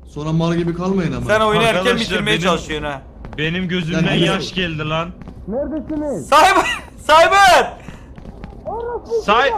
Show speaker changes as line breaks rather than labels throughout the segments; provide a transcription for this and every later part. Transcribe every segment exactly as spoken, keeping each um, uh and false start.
Sonra mal gibi kalmayın ama.
Sen oyunu erken
Arkadaşlar,
bitirmeye
benim-
çalışıyorsun ha.
Benim gözümden
Lan,
yaş geldi lan.
Cyber! Cyber!
Say...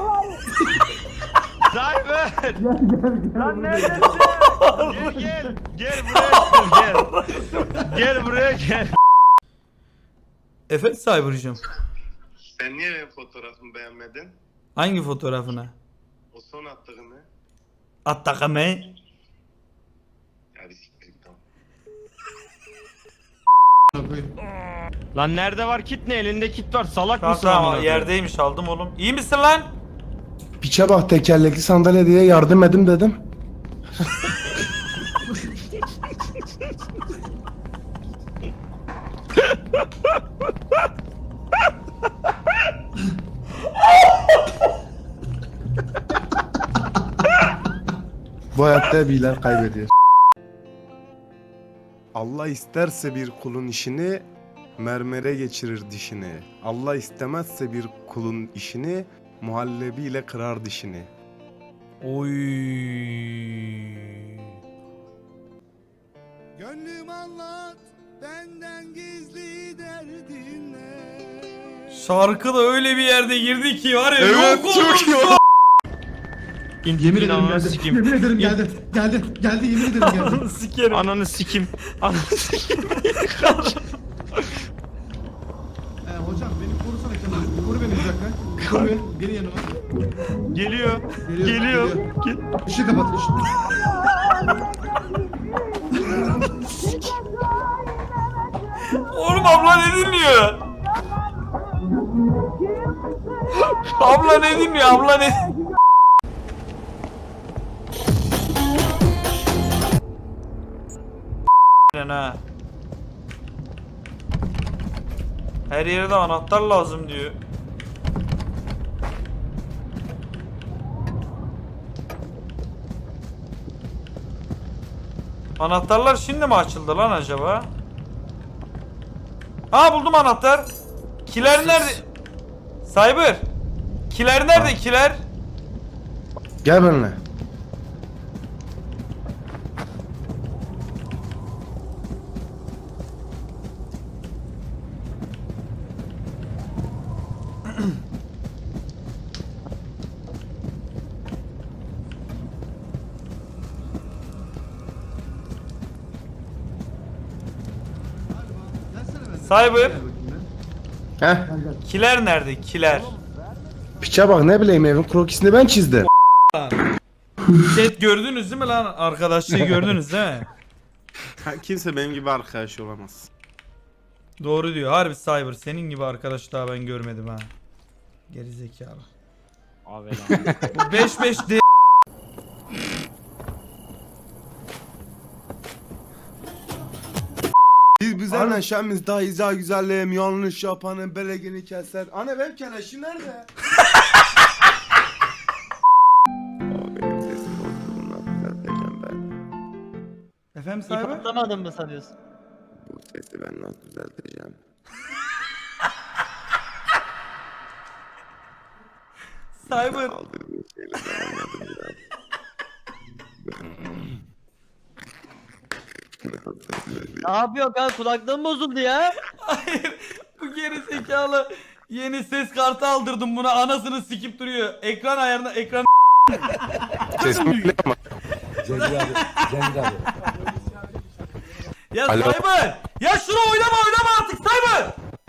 Cyber! Lan neredesin? Gel gel. Gel buraya gel. Gel buraya gel.
Efendim Cyber'cığım.
Sen niye benim fotoğrafımı beğenmedin?
Hangi fotoğrafını?
O son attığını.
Attakame.
Ya bir siktir git tamam.
Lan nerede var kit ne? Elinde kit var. Salak mısın
Tamam
amına
tamam
koyayım?
yerdeymiş aldım oğlum. İyi misin lan?
Piçe bak tekerlekli sandalye diye yardım edim dedim. Bu hayatta bilen kaybediyor. Allah isterse bir kulun işini mermere geçirir dişini. Allah istemezse bir kulun işini muhallebiyle kırar dişini.
Oy.
Gönlüm anlat benden gizli derdin ne?
Şarkı da öyle bir yerde girdi ki var ya.
Evet,
yok
çok
olmuş
iyi.
ya.
Yemin ederim
Ananı
geldi.
sikeyim.
Yemin ederim geldi. Geldi. Geldi yemin ederim geldi.
Ananı sikerim.
Ananı sikim. Ananı sikim.
Ee, hocam beni korusana Kemal. Koru beni bir dakika. Koru beni. Gelin yanıma.
Geliyor.
Geliyor,
Geliyor.
geliyor.
Gel-
Işığı kapat. Işığı.
Oğlum abla ne dinliyor? Abla ne dinliyor? Abla ne? Ha. Her yere de anahtar lazım diyor. Anahtarlar şimdi mi açıldı lan acaba? Ha buldum anahtar. Kiler nerede? Cyber. Kiler nerede kiler?
Gel benimle.
Cyber.
Heh.
Kiler nerede? Kiler.
Piçe bak ne bileyim evin krokisini ben çizdim.
Chat gördünüz değil mi lan? Arkadaşlığı gördünüz değil mi?
Kimse benim gibi arkadaş olamaz.
Doğru diyor. Harbi Cyber. Senin gibi arkadaş daha ben görmedim ha. Geri zekalı.
Abi lan.
Bu beş beş de
Biz bize neşemiz daha izah güzelliğim yanlış yapanın belegini keser. Anne benim keleşim nerede? Benim sesim bozdu bundan düzelteceğim ben.
Efendim
İp
Cyber?
atlamadın mı sanıyorsun?
Bu sesi ben nasıl düzelteceğim?
Cyber.
Aldırdığım şeyle devam edin biraz.
Ne yapıyor kan kulaklığım bozuldu ya.
Hayır. Bu geri zekalı yeni ses kartı aldırdım buna. Anasını sikip duruyor. Ekran ayarına ekran
Sesim bile ama.
Ya
Alo.
Cyber! Ya şunu oynama oynama artık Cyber!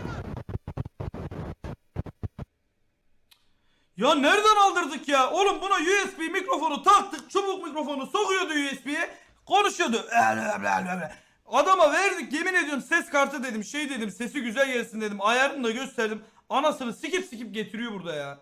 Ya nereden aldırdık ya? Oğlum buna U S B mikrofonu taktık. Çubuk mikrofonu sokuyordu U S B'ye. Konuşuyordu. Adama verdik yemin ediyorum ses kartı dedim. Şey dedim sesi güzel gelsin dedim. Ayarını da gösterdim. Anasını sikip sikip getiriyor burada ya.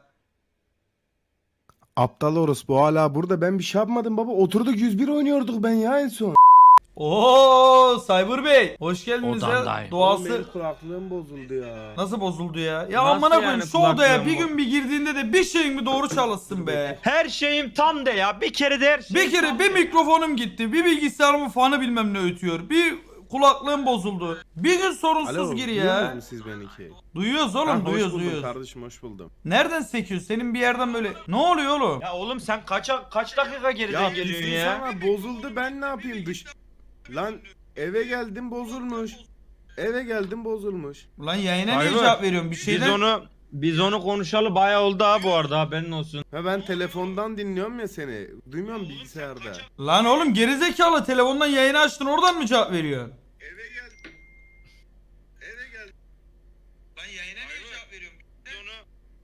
Aptal orospu hala burada ben bir şey yapmadım baba. Oturduk yüz bir oynuyorduk ben ya en son.
Oo Cyber Bey. Hoş geldiniz ya.
Odandayım.
Doğası
kulaklığım bozuldu ya.
nasıl bozuldu ya? Ya
Nasıl
amına koyayım
yani
şu odaya
kulaklığım
bir gün bir girdiğinde de bir şeyin mi doğru çalışsın be.
Her şeyim tam de ya. Bir kere de her şey.
Bir kere bir mikrofonum gitti. Bir bilgisayarımın fanı bilmem ne ötüyor. Bir kulaklığım bozuldu. Bir gün sorunsuz gir ya.
siz beni ki?
Duyuyoruz oğlum duyuyoruz duyuyoruz.
Kardeşim hoş buldum.
Nereden sekiyor? Senin bir yerden böyle. Ne oluyor oğlum?
Ya oğlum sen kaç kaç dakika geriden geliyorsun ya?
bozuldu ben ne yapayım dış. Lan eve geldim bozulmuş. Eve geldim bozulmuş.
Ulan yayına niye
Hayır.
cevap veriyorum? Bir
Biz
şeyden...
onu biz onu konuşalı bayağı oldu ha bu arada, haberin olsun.
Ha ben telefondan dinliyorum ya seni. Duymuyorum bilgisayarda.
Lan oğlum gerizekalı telefondan yayını açtın oradan mı cevap veriyorsun?
Eve geldim. Eve geldim.
Lan yayına
niye cevap veriyorum? Biz onu...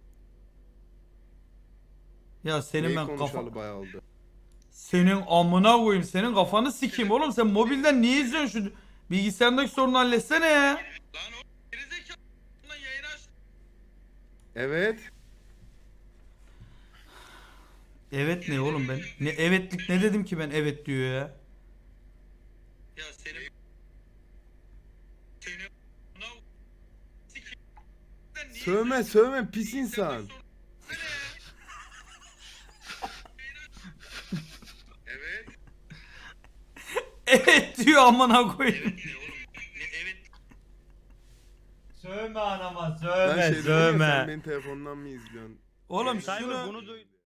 Ya senin
Neyi
ben kafa...
konuşalı bayağı oldu.
Senin amına koyayım, senin kafanı sikeyim oğlum, sen mobilden niye izliyorsun şu bilgisayarındaki sorunu halletsene ya.
Lan o gerizekalı lan yayını açtı.
Evet.
Evet ne oğlum ben? Ne evetlik ne dedim ki ben evet diyor ya.
Ya senin... Senin... Buna... Sikeyim. Sen niye-
Sövme sövme pis insan.
Evet.
Evet diyor amına koyayım.
Ne oğlum? Ne evet?
Sövme anama,
Ben
sövme,
şey dedim ya,
sövme.
sen beni telefondan mı izliyorsun?
Oğlum
Cyber
şunu
bunu duy.